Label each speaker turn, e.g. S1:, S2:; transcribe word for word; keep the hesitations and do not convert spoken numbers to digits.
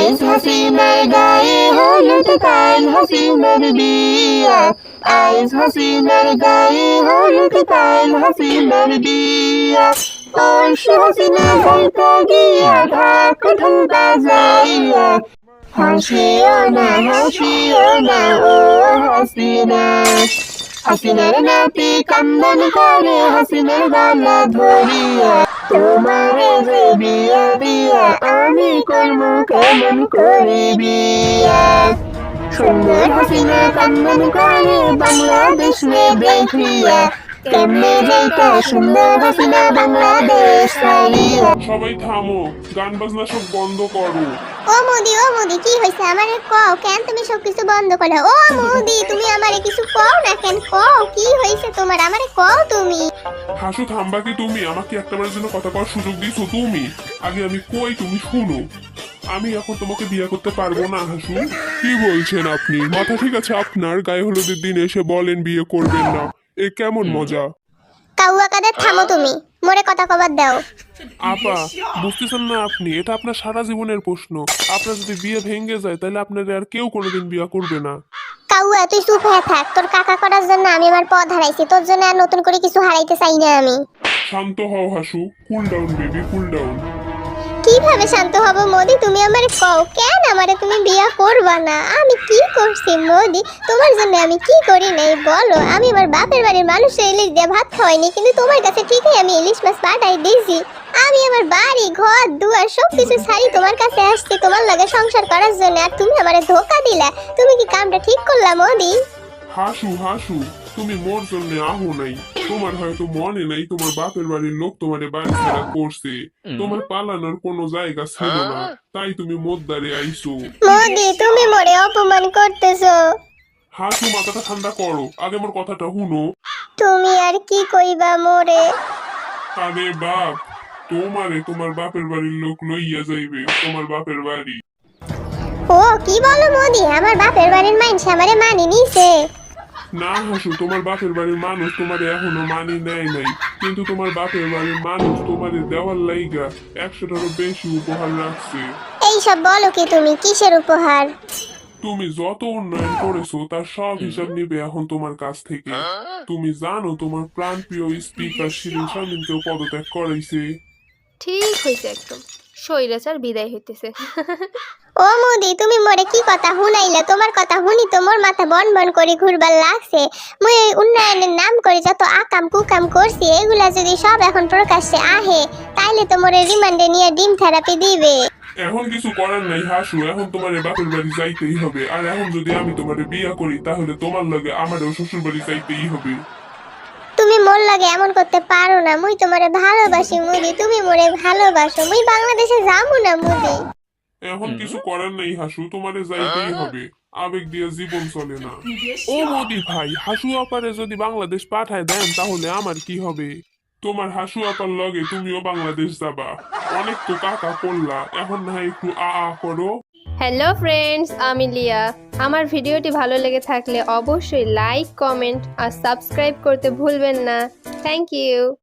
S1: আইস হাসিনার গায়ে হলুদ কাল হাসিনার বিয়া আইস হাসিনার গায়ে হলুদ কাল হাসিনার বিয়া পরশু হাসিনা যাইতে গিয়া ঢাক ঢোল বাজাইয়া হাসিও না হাসিও না ও হাসিনা হাসিনার নাতি কান্দন করে হাসিনার গলা ধরিয়া তোমারে যে বিয়া দিয়া আমি করবো কেমন করে বিয়া সুন্দর হাসিনা কান্দন করে বাংলাদেশ রে দেখিয়া কেমনে যাইতা সুন্দর হাসিনা বাংলাদেশ ছাড়িয়া।
S2: সবাই থামো, গান বাজনা সব বন্ধ করো।
S3: ও মোদি ও মোদি কি হইছে আমারে কও কেন তুমি সবকিছু বন্ধ করলে? ও মোদি তুমি আমারে কিছু কও না কেন? কও কি হইছে তোমার আমারে কও তুমি।
S2: হাসু থামবা কি তুমি? আমাকে একটাবারের জন্য কথা কওয়ার সুযোগ দিয়েছো তুমি? আগে আমি কই তুমি শুনো। আমি এখন তোমাকে বিয়ে করতে পারবো না হাসু। কি বলছেন আপনি? মাথা ঠিক আছে আপনার? গায়ে হলুদের দিন এসে বলেন বিয়ে করবেন না, এ কেমন মজা?
S3: কাউয়া কাদের থামো তুমি, মোরে কথা কবার দাও।
S2: আপা বুঝতেছেন না আপনি? এটা আপনার সারা জীবনের প্রশ্ন। আপনার যদি বিয়ে ভেঙে যায় তাহলে আপনার আর কেউ কোনোদিন বিয়ে করবে না।
S3: কাউয়া তুই চুপ হয়ে থাক, তোর কাকা করার জন্য আমি আমার পথ হারাইছি, তোর জন্য আর নতুন করে কিছু হারাইতে চাই না আমি।
S2: শান্ত হও Hasu, cool down baby, cool down.
S3: কিভাবে শান্ত হব মোদি? তুমি আমারে কও কেন আমারে তুমি বিয়া করবা না? আমি কি করছি মোদি তোমার জন্য? আমি কি করি নাই বলো? আমি আমার বাপের বাড়ির মানুষের ইলিশ দিয়ে ভাত খাওয়াইনি, কিন্তু তোমার কাছে ঠিকই আমি ইলিশ মাছ পাঠাই দিয়েছি। আমি আমার বাড়ি ঘর দুয়ার সবকিছু ছাড়ি তোমার কাছে আসছি তোমার লাগে সংসার করার জন্য, আর তুমি আমারে ধোকা দিলা। তুমি কি কামটা ঠিক করলা মোদি?
S2: হাসু হাসু তুমি মোর জন্য আহো নাই। তোমার হয়তো মনে নাই তোমার বাপের বাড়ির লোক তোমার বাড়ি ছাড়া করছে। তোমার পালানোর কোনো জায়গা ছিল না, তাই তুমি মোদ্দারে আইছো।
S3: মোদি তুমি মোরে অপমান করতেছো।
S2: হাসু মাথাটা ঠান্ডা করো, আগে মোর কথাটা শুনো।
S3: তুমি আর কি কইবা মোরে?
S2: আরে বাপ, তোমারে তোমার বাপের বাড়ির লোক লইয়া যাইবে তোমার বাপের বাড়ি।
S3: ও কি বলো মোদি? আমার বাপের বাড়ির মানুষ আমারে মানি নিছে?
S2: না হাসু, তোমার বাপের বাড়ির মানুষ তোমার এখনো মানি নেয় নাই, কিন্তু তোমার বাপের বাড়ির মানুষ তোমাদের দেওয়ার লাইগা একশোটারও বেশি উপহার রাখছে।
S3: এইসব বলো কি তুমি? কিসের উপহার?
S2: তুমি যত উন্নয়ন করেছো তার সব হিসাব নিবে এখন তোমার কাছ থেকে। তুমি জানো তোমার প্রাণপ্রিয় স্পিকার শিরিন শারমিনকেও পদত্যাগ করাইছে।
S4: ঠিক হয়েছে, একদম স্বৈরাচার বিদায় হইতেছে।
S3: ও মোদি তুমি মোরে কি কথা হুনাইলে? তোমার কথা হুনি তো মোর মাথা বন বন করে ঘুরবার লাগছে। মুই এই উন্নয়নের নাম করে যত আকাম কুকাম করছি এগুলা যদি সব এখন প্রকাশ্যে আহে তাইলে তো মোরে রিমান্ডে নিয়ে ডিম থেরাপি দিবে।
S2: এখন কিছু করার নাই হাসু, এখন তোমার বাপের বাড়ি যাইতেই হবে। আর এখন যদি আমি তোমার বিয়ে করি তাহলে তোমার লগে আমারও শ্বশুর বাড়ি যাইতেই হবে।
S3: তুমি মোর লাগে এমন করতে পারো না। মুই তোমারে ভালোবাসি মুদি, তুমি মোরে ভালোবাসো। মুই বাংলাদেশে যাবো না মুদি।
S2: এখন কিছু করার নাই হাসু, তোমারে যাইতেই হবে। আবেগ দিয়ে জীবন চলে না। ও মোদি ভাই, হাসু আপারে যদি বাংলাদেশ পাঠায় দেন তাহলে আমার কি হবে? তোমার হাসু আপার লগে তুমিও বাংলাদেশ যাবা। অনেক তো কাকা করলা, এখন না হয় একটু আ আ করো।
S4: হ্যালো ফ্রেন্ডস, আমি লিয়া। আমার ভিডিওটি ভালো লেগে থাকলে অবশ্যই লাইক, কমেন্ট আর সাবস্ক্রাইব করতে ভুলবেন না। Thank you.